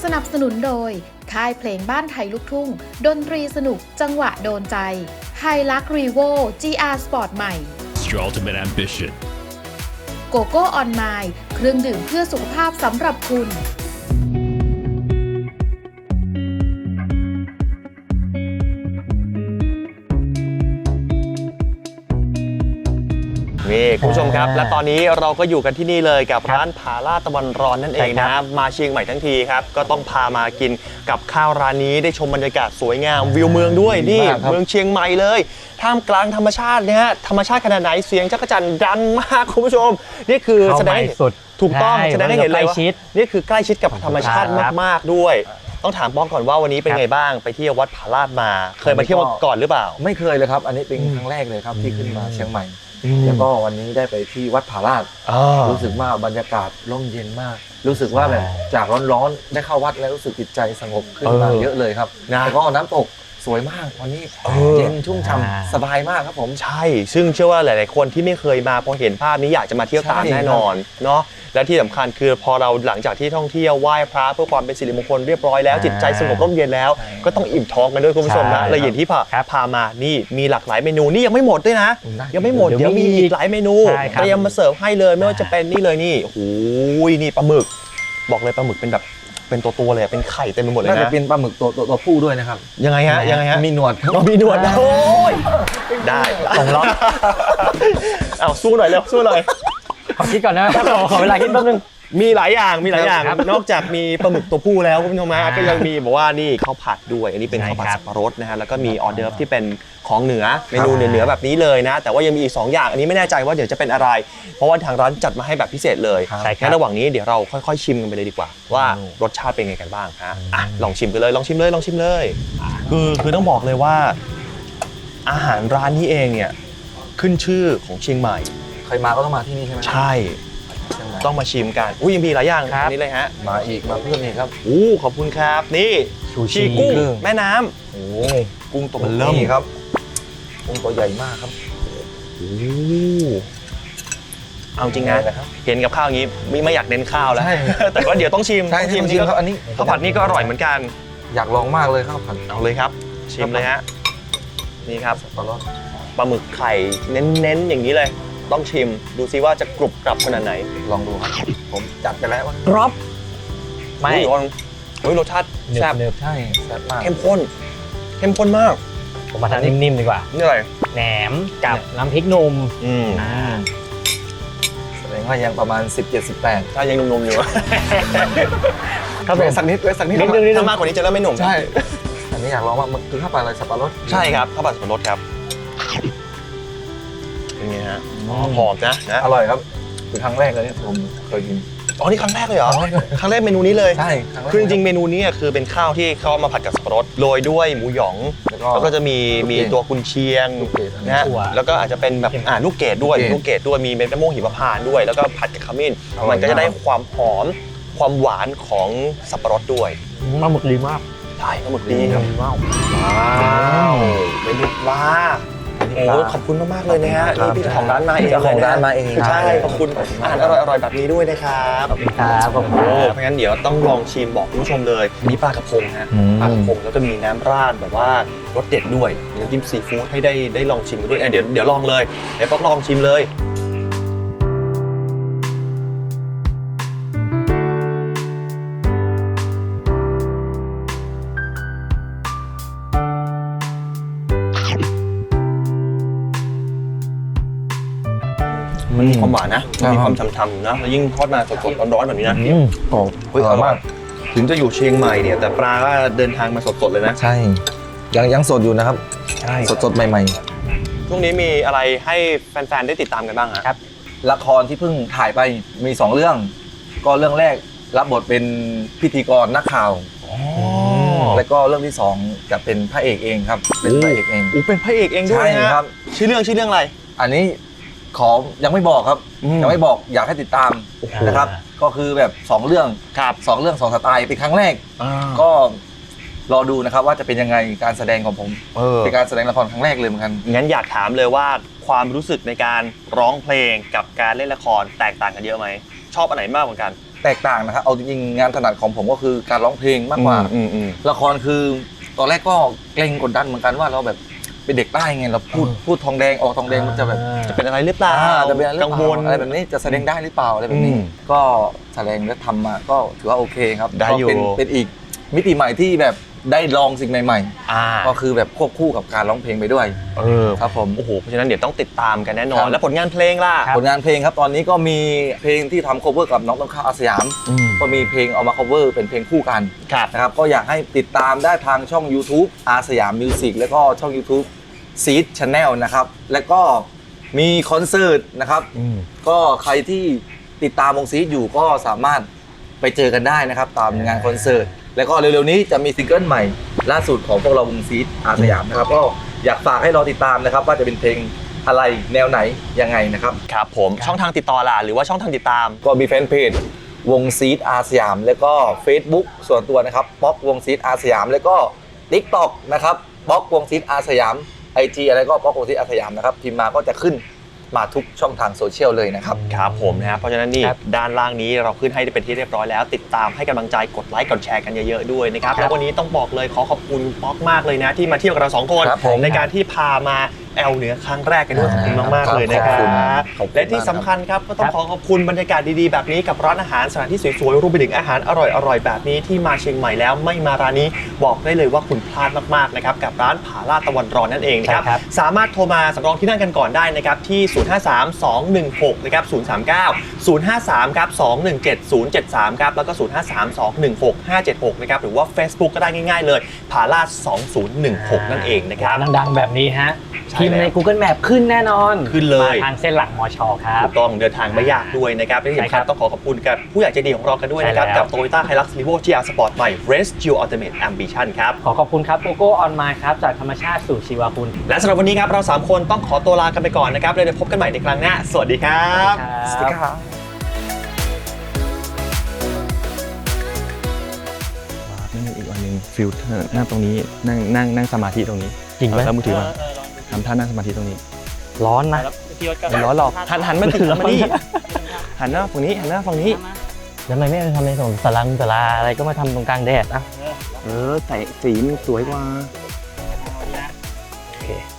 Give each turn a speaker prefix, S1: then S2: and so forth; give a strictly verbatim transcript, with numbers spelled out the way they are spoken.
S1: นับสนุนโดยค่ายเพลงบ้านไทยลูกทุ่งดนตรีสนุกจังหวะโดนใจไฮลักรีโว จี อาร์ Sport ใหม่
S2: Your ultimate ambition
S1: โกโก้ออนไมล์เครื่องดื่มเพื่อสุขภาพสำหรับคุณ
S3: นี่คุณผู้ชมครับและตอนนี้เราก็อยู่กันที่นี่เลยกับร้านผาลาดตะวันร้อนนั่นเองนะมาเชียงใหม่ทั้งทีครับก็ต้องพามากินกับข้าวร้านนี้ได้ชมบรรยากาศสวยงามวิวเมืองด้วยนี่เมืองเชียงใหม่เลยท่ามกลางธรรมชาติเนี่ยธรรมชาติขนาดไหนเสียงจักรจั่นดังมากคุณผู้ชมนี่คือแสดงสุดถูกต้องแสดงให้เห็นเลยว่านี่คือใกล้ชิดกับธรรมชาติมากๆด้วยต้องถามป้องก่อนว่าวันนี้เป็นไงบ้างไปเที่ยววัดผาลาดมาเคยมาเที่ยวก่อนหรือเปล่า
S4: ไม่เคยเลยครับอันนี้เป็นครั้งแรกเลยครับที่ขึ้นมาเชียงใหม่แล้วก็วันนี้ได้ไปที่วัดผาลาดรู้สึกว่าบรรยากาศร่มเย็นมากรู้สึกว่าแบบจากร้อนๆได้เข้าวัดแล้วรู้สึกจิตใจสงบขึ้นมาเยอะเลยครับแล้วก็น้ำตกสวยมากวันนี้เย็นชุ่มฉ่ำสบายมากครับผม
S3: ใช่ซึ่งเชื่อว่าหลายๆคนที่ไม่เคยมาพอเห็นภาพนี้อยากจะมาเที่ยวตามแน่นอนเนาะและที่สำคัญคือพอเราหลังจากที่ท่องเที่ยวไหว้พระเพื่อความเป็นสิริมงคลเรียบร้อยแล้วจิตใจสงบร่มเย็นแล้วก็ต้องอิ่มท้องกันด้วยคุณผู้ชมนะและอย่างที่พาพามานี่มีหลากหลายเมนูนี่ยังไม่หมดด้วยนะยังไม่หมดเดี๋ยวมีอีกหลายเมนูเตรียมมาเสิร์ฟให้เลยไม่ว่าจะเป็นนี่เลยนี่โอ้ยนี่ปลาหมึกบอกเลยปลาหมึกเป็นแบบเป็นตัวตัวเลยเป็นไข่เต็มไปหมดเลยนะ
S4: น่าจะเป็นปลาหมึกตัวตัวผู้ด้วยนะครับ
S3: ยังไงฮะยังไงฮะ
S4: มีหนวด
S3: มีหนวดโอ้ยได้ส่งล็อกเอาสู้หน่อยเร็วสู้หน่อย
S5: ขอคิดก่อนนะครับขอเวลาคิดแป๊บนึง
S3: มีหลายอย่างมีหลายอย่างนอกจากมีปลาหมึกตัวผู้แล้วคุณผู้ชมก็ยังมีบอกว่านี่ข้าวผัดด้วยอันนี้เป็นข้าวผัดสับปะรดนะฮะแล้วก็มีออเดิร์ฟที่เป็นของเหนือเมนูเหนือๆแบบนี้เลยนะแต่ว่ายังมีอีกสองอย่างอันนี้ไม่แน่ใจว่าเดี๋ยวจะเป็นอะไรเพราะว่าทางร้านจัดมาให้แบบพิเศษเลยงั้นระหว่างนี้เดี๋ยวเราค่อยๆชิมกันไปเลยดีกว่าว่ารสชาติเป็นไงกันบ้างฮะอ่ะลองชิมกันเลยลองชิมเลยลองชิมเลยคือคือต้องบอกเลยว่าอาหารร้านนี้เองเนี่ยขึ้นชื่อของเชียงใหม่
S4: ใครมาก็ต้องมาที่นี่ใช่ไหม
S3: ใช่ต้องมาชิมกันอุ้ยยังมีหลายอย่างอันนี้เลยฮะ
S4: มาอีกมาเพิ่มอีกครับ
S3: อู้ขอบคุณครับนี่ชูชีกุ้งแม่น้ำ
S4: โอ้
S3: กุ้งตัวเริ่ม
S4: ครับกุ้งตัวใหญ่มากครับ
S3: โอ้เอาจริงนะเห็นกับข้าวอย่างนี้ไม่ไม่อยากเน้นข้าวแล้วแต่ว่าเดี๋ยวต้องชิม
S4: ต้องชิมนี่ครับอันนี้
S3: ข้าวผัดนี่ก็อร่อยเหมือนกัน
S4: อยากลองมากเลยข้าวผัด
S3: เอาเลยครับชิมเลยฮะนี่ครับปลาหมึกไข่เน้นๆอย่างนี้เลยต้องชิมดูซิว่าจะกรุบกรับขนาดไหน
S4: ลองดูครับผมจัดไปแล้ว
S5: กรอบ
S3: ไม่เฮ้ยรสชาติแซ่บ
S4: ใช่แซ่บมาก
S3: เข้มข้นเข้มข้นมาก
S5: ผมมาทานนิ่มๆดีกว่า
S3: นี่อะไร
S5: แหนมกับน้ำพริกหนุ่ม
S3: อืม
S4: แสดงว่ายังประมาณสิบเจ็ด สิบแปด
S3: ถ้ายังหนุ่มๆอยู่
S4: ครับผมสักนิดสักนิด
S3: ถ้ามากกว่านี้จะเริ่มไม่หนุ่ม
S4: ใช่อันนี้อยากลองว่ามันคือข้าวผัดอะไรสับปะรด
S3: ใช่ครับข้าวผัดสับปะรดครับเป็นไงฮะหอมนะนะ
S4: อร่อยครับคือครั้งแรกเลยที่ผมเคยกิน
S3: อ๋อนี่ครั้งแรกเลยเหรอครั้งแรกเมนูนี้เลย
S4: ใช่
S3: คือจริงๆเมนูนี้คือเป็นข้าวที่เขามาผัดกับสับปะรดโรยด้วยหมูหยองแล้วก็จะมีมีตัวกุนเชียงนะแล้วก็อาจจะเป็นแบบอ่าลูกเกดด้วยลูกเกดด้วยมีเม็ดมะม่วงหิมพานต์ด้วยแล้วก็ผัดกับขมิ้นมันก็จะได้ความหอมความหวานของสับปะรดด้วย
S5: ปลาหมึกดีมาก
S3: ใช่ปลาหมึกดีครับว้าวว้าวเป็นลูกว้าโอ้ขอบคุณมากๆเลยนะฮะนี่พี่เจ้าของร้านมาเอง
S4: เจ้าของร้านมาเอง
S3: ใช่ขอบคุณอาหารอร่อยๆแบบนี้ด้วยนะครับ
S5: ขอบคุณครับขอบคุณ
S3: เพราะงั้นเดี๋ยวต้องลองชิมบอกคุณผู้ชมเลยมีปลากระพงฮะปลากระพงแล้วก็มีน้ำราดแบบว่ารสเด็ดด้วยน้ำจิ้มซีฟู้ดให้ได้ได้ลองชิมกันด้วยเดี๋ยวเดี๋ยวลองเลยเดี๋ยวป๊อกลองชิมเลยมันมีความหวานนะมีความฉ่ำๆนะแล้วยิ่งทอดมาสดๆร้อนๆแบบนี้นะ
S4: โอ้
S3: โหอร่อยมากถึงจะอยู่เชียงใหม่เนี่ยแต่ปลาก็เดินทางมาสดๆเลยนะ
S4: ใช่ยังยังสดอยู่นะครับ
S3: ใช่
S4: สดๆใหม่
S3: ๆช่วงนี้มีอะไรให้แฟนๆได้ติดตามกันบ้างครับ
S4: ละครที่เพิ่งถ่ายไปมีสองเรื่องก็เรื่องแรกรับบทเป็นพิธีกรนักข่าวแล้วก็เรื่องที่สองจะเป็นพระเอกเองครับเป็นพระเอกเอง
S3: อู้เป็นพระเอกเองด้วยนะครับชื่อเรื่องชื่อเรื่องอะไร
S4: อันนี้ขอยังไม่บอกครับยังไม่บอกอยากให้ติดตามนะครับก็คือแบบสองเรื่องสองเรื่องสองสไตล์เป็นครั้งแรกก็รอดูนะครับว่าจะเป็นยังไงการแสดงของผมเป็นการแสดงละครครั้งแรกเลยเหมือนกัน
S3: งั้นอยากถามเลยว่าความรู้สึกในการร้องเพลงกับการเล่นละครแตกต่างกันเยอะไหมชอบอันไหนมากกว่ากัน
S4: แตกต่างนะครับเอาจริงๆงานถนัดของผมก็คือการร้องเพลงมากกว่า
S3: อืมอืม
S4: ละครคือตอนแรกก็เกรงกดดันเหมือนกันว่าเราแบบเป็นเด็กใต้ไงเราพูดพูดทองแดงออกทองแดงมันจะแบบ
S3: จะเป็นอะไรหรือเปล่า
S4: อ่าจะเป็นอะไรหรือ
S3: กัง
S4: เป
S3: ว
S4: ล่า
S3: ล
S4: อะไรแบบนี้จะแสดงได้หรือเปล่าอะไรแบบนี้
S3: อืม
S4: ก็แสดงและทำมาก็ถือว่าโอเคครับ
S3: ได้อยู่
S4: ก็เป็นเป็นอีกมิติใหม่ที่แบบได้ลองสิ่งใหม่
S3: อ่า
S4: ๆ ก็คือแบบควบคู่กับการร้องเพลงไปด้วย
S3: เออ
S4: ครับผม
S3: โอ้โหเพราะฉะนั้นเดี๋ยวต้องติดตามกันแน่นอ
S4: ครั
S3: น
S4: บ
S3: แล้วผลงานเพลงล่ะ
S4: ผลงานเพลงครับตอนนี้ก็มีเพลงที่ทำ cover กับน้องต้นข้าวอาสยาม
S3: อืม
S4: ก็มีเพลงเอามา cover เป็นเพลงคู่กัน
S3: ครับ
S4: นะครับก็อยากให้ติดตามได้ทางช่อง YouTube อาสยามมิวสิกแล้วก็ช่อง YouTube Seed Channel นะครับแล้วก็มีคอนเสิร์ตนะครับ
S3: อืม
S4: ก็ใครที่ติดตามวงซีดอยู่ก็สามารถไปเจอกันได้นะครับตามงานคอนเสิร์ตแล้วก็เร็วๆนี้จะมีซิงเกิลใหม่ล่าสุดของพวกเราวงซีดอาสยามนะครับก็อยากฝากให้รอติดตามนะครับว่าจะเป็นเพลงอะไรแนวไหนยังไงนะครับ
S3: ครับผมช่องทางติดต่อล่ะหรือว่าช่องทางติดตาม
S4: ก็มีแฟนเพจวงซีดอาสยามแล้วก็ Facebook ส่วนตัวนะครับป๊อกวงซีดอาสยามแล้วก็ TikTok นะครับป๊อกวงซีดอาสยาม ไอ จี อะไรก็ป๊อกวงซีดอาสยามนะครับพิมพ์มาก็จะขึ้นมาทุกช่องทางโซเชียลเลยนะครับ
S3: ครับผมนะฮะเพราะฉะนั้นนี่
S5: ครับ
S3: ด้านล่างนี้เราขึ้นให้เป็นที่เรียบร้อยแล้ว ติดตามให้กำลังใจกดไลค์กดแชร์กันเยอะๆด้วยนะครับ
S5: ครับ
S3: แล้ววันนี้ต้องบอกเลยขอขอบคุณป๊อกมากเลยนะ ที่มาเที่ยวกับเราสองคน
S4: ครับผม
S3: ในการที่พามาแอลเหนือครั้งแรกกันด้วยขอบคุณมาก
S4: ครับ
S3: ๆเลยนะครับ
S4: ขอบคุณขอบคุณ
S3: และที่สำคัญครับก็ต้องขอขอบคุณบรรยากาศดีๆแบบนี้กับร้านอาหารสถานที่สวยๆรวมไปถึงอาหารอร่อยๆแบบนี้ที่มาเชียงใหม่แล้วไม่มาร้านนี้บอกได้เลยว่าคุณพลาดมากๆนะครับกับร้านผาลาดตะวันร้อนนั่นเองนะครับ
S5: ใช่ครับ
S3: สามารถโทรมาสำรองที่นั่งกันก่อนได้นะครับที่ ศูนย์ ห้า สาม สอง หนึ่ง หก นะครับ ศูนย์ สาม เก้า ศูนย์ ห้า สาม ครับ สอง หนึ่ง เจ็ด ศูนย์ เจ็ด สาม ครับ แล้วก็ ศูนย์ ห้า สาม สอง หนึ่ง หก ห้า เจ็ด หก นะครับ หรือว่า Facebook ก็ได้ง่ายๆเลยผาลาดสองศูนย์หนึ่งหก นั่นเองนะครับ
S5: ร้านดังๆแบบนี้ฮะ
S3: ใช่
S5: พิมพ์ใน
S3: แล้ว
S5: Google Map ขึ้นแน่นอน
S3: ขึ้นเลย
S5: มาทางเส้นหลักมชครับ
S3: ถูกต้องเดินทางไม่ยากด้วยนะครับและที่
S5: ใช่
S3: สำ
S5: ครั
S3: คัญ
S5: บ
S3: ต้องขอขอบคุณกับผู้ใหญ่ใจดีของเรากันด้วยนะครับ
S5: ใช่แล้ว
S3: กับ Toyota Hilux Revo จี อาร์ Sport ใหม่ Race Geo Ultimate Ambition ครับ
S5: ขอขอบคุณครับโกโก้ออนไมล์ครับ จากธรรมชาติสู่ชีวคุณ
S3: และสำหรับวันนี้ครับเราสามคนต้องขอตัวลากันไปก่อนนะครับแล้วเดี๋ยวพบกันใหม่ในครั้งหน้าสวัสดีครับ
S5: สวัสดีครับ
S6: นั่นอีกวันหนึ่งฟิลเตอร์นั่งตรงนี้นั่งนั่งนั่งสมาธิตรงนี้
S5: จริงไหม
S6: แล้วมือถือมาทำท่านั่งสมาธิตรงนี้
S5: ร้อนนะ
S6: ไม่ร้อนหรอกหันหันมาถึงหันมานี่หันหน้าฝั่งนี้หันหน้าฝั่งนี้
S5: แล้วทำไมไม่ไปทำในส่วนสลังสลาอะไรก็มาทำตรงกลางแดดอ่ะ
S6: เออแต่สีมันสวยกว่า
S5: โอเค